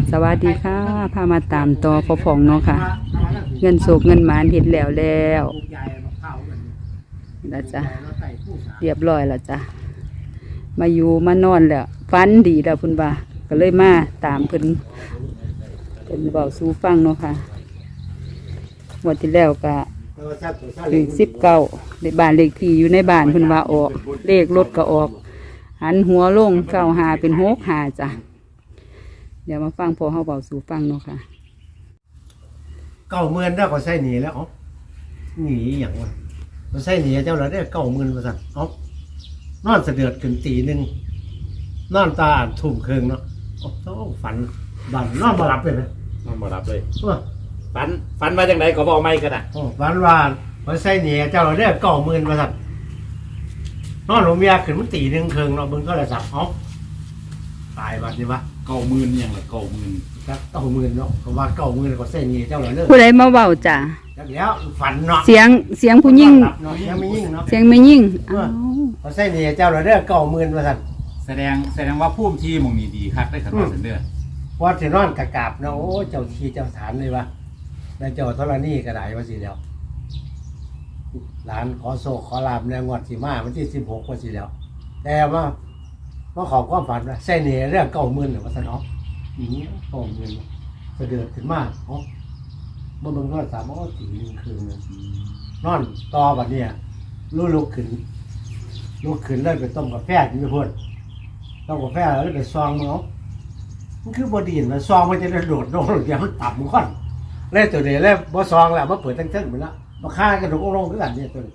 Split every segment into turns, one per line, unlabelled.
สวัสดีค่ะพามาตามต่อพ่อพองเนาะค่ะเงินโศกเงินหมานเห็นแล้วแล้วจ้ะเรียบร้อยแล้วจ้ะมาอยู่มานอนแล้วฟันดีแล้วพุ่นบ่าก็เลยมาตามเพิ่นเบาสู้ฟังเนาะค่ะวันที่แล้วก็ถึง19ในบ้านเลขที่อยู่ในบ้านเพิ่นว่าออกเลขรถก็ออกหันหัวลง95เป็น65จ้ะเดี๋ยวมาฟังพอเขาเบาสู่ฟังเนาะค่ะ
90,000ได้ก็ใช้หนีแล้วอ๋อหนีอย่างวะมันใช้หนีเจ้าละได้90,000มาสั่นอ๋อนอนเสดือดขึ้นตีหนึ่งนอนตาทุ่มเคืองเนาะอ๋อต้องฝันบันนอนมาหลับเลยนะ
นอนมารับเลยฝันมาจากไหนก็บอกไม่กันอ่ะ
ฝันว่ามันใช้หนีเจ้าละได้90,000มาสั่นนอนหลงเมียขึ้นมันตีหนึ่งเคืองเนาะมึงก็เลยสั่งอ๋อตายบัดนี้วะ
90,000ยังละ90,000
ครับ90,000เนาะเขาว่า90,000ก็ใช้หนีเจ้าละเด้อ
ผู้ใดมาเบาจ้ะ
แล้วฝันเนาะ
เสียงผู้หญิง
ยังไม่ยิ่งเนาะ
เสียงไม่ยิ่ง
เขาใช้หนีเจ้าละเด้อ90,000มาสั่น
แสดงว่าพุ่มที่มองนี้ดีครับได้ขนาดนั้นเด้อ
พอสินอนกะกาบเนาะโอ้เจ้าที่เจ้าฐานเลยวะแล้วเจ้าธรณีก็ได้ว่าสิแล้วหลานขอโศกขอลาบในงวดสิมาวันที่16ว่าสิแล้วแต่ว่าขอความฝันว่าใส่เหนี่ยเรื่อง90,000หรือว่าซะเนาะอย่างนี้90,000เสด็จขึ้นมาเนาะบ่เบิ่งโทรศัพท์บ่ตีนึงคืนนอนต่อบัดเนี้ยลุกขึ้นเลยไปต้มกาแฟกินไปพุ่นต้มกาแฟแล้วไปซองเนาะมันคือบ่ดีนมันซองมันจะโดดลงเดี๋ยวมันตับมันก่อนแล้วตัวนี้แล้วบ่ซองแล้วมาเปิดทั้งๆหมดแล้วมาฆ่ากระดูกลงคือกันเนี่ยตัวนี้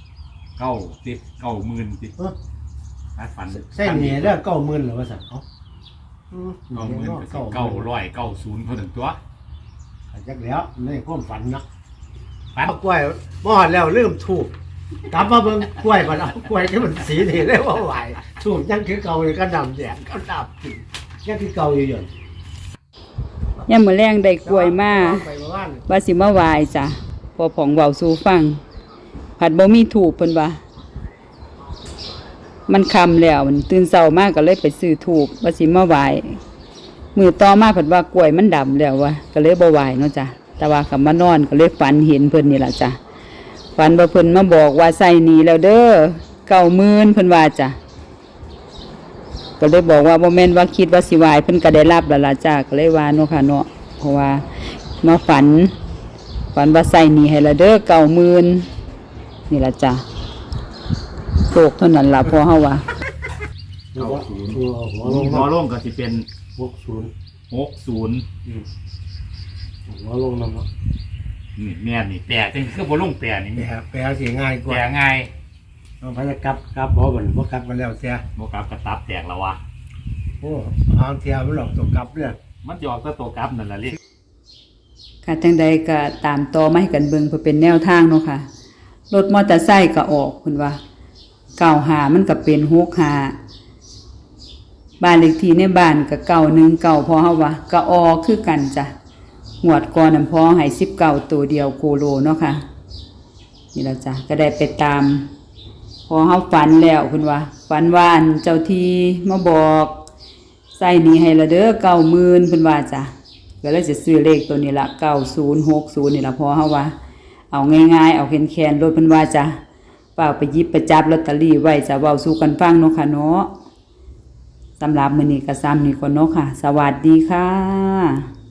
90,000ติฝัน
ใช่เนี่ยเรื่อง90,000หรือว่าสัตว์เขา
90,000 990เท่านั้นตัว
จักแล้วในความฝันเนาะฝันกล้วยมอดแล้วเริ่มถูกกลับมาเบิ่งกล้วยมันเอากล้วยที่มันสีนี่ได้ว่าไหวถูกยังคือเก่าเลยก็ดำแดงก็ดำยังคือเก่าอยู่
ยังมื้อแรงได้กล้วยมาว่าสิมาไหว้จ้ะพอผองเว้าสู่ฟังผัดบ่มีถูกเพิ่นว่ามันค่ำแล้วมันตื่นเช้ามากก็เลยไปซื้อถูกว่าสิมาไหว้มื้อต่อมาเพิ่นว่ากล้วยมันดำแล้ววะก็เลยบ่ไหว้เนาะจ้ะแต่ว่าก็มานอนก็เลยฝันเห็นเพิ่นนี่ล่ะจ้ะฝันว่าเพิ่นมาบอกว่าใส่หนี้แล้วเด้อ90,000เพิ่นว่าจ้ะก็เลยบอกว่าบ่แม่นว่าคิดว่าสิไหว้เพิ่นก็ได้รับแล้วล่ะจ้ะก็เลยว่าเนาะค่ะเนาะเพราะว่ามาฝันว่าใส่หนี้ให้แล้วเด้อ90,000นี่ล่ะจ้ะโศกเท่านั้นล่ะพอเฮาว่า
หัวลงก็สิเป็น
60หัวลงนำเนาะ
นี่แม่นี่แปลจังคือบ่ลงแปลนี่
แปลสิง่ายกว่า
แปลง่าย
เอาไปกลับบ่บ่กลับมาแล้วเสีย
บ่กลับก็ตับแตกแล้ววะ
โอ้ทางเที่ยวมันหลอกตกกลับเนี่ย
มันสิออกแต่ตัวกลับนั่นล่ะลิ
ค่ะจังใดก็ตามต่อมาให้กันเบิ่งเพื่อเป็นแนวทางเนาะค่ะรถมอเตอร์ไซค์ก็ออกเพิ่นว่า95มันก็เป็น65บ้านเลขที่ในบ้านก็919พอเฮาว่าก็ออกคือกันจ้ะงวดก่อนนั้นพอให้19ตัวเดียวโคโลเนาะค่ะนี่ล่ะจ้ะก็ได้ไปตามพอเฮาฝันแล้วเพิ่นว่าฝันว่าเจ้าที่มาบอกใส่หนี้ให้ละเด้อ90,000เพิ่นว่าจ้ะก็เลยจะซื้อเลขตัวนี้ละ9060นี่ล่ะพอเฮาว่าเอาง่ายๆเอาแคนๆรถเพิ่นว่าจ้ะเปล่าไปหยิบไปจับลอตเตอรี่ไว้จะเว้าสู่กันฟังเนาะค่ะเนาะสำหรับมื้อนี้ก็ซ้ำนี่ก่อนเนาะค่ะสวัสดีค่ะ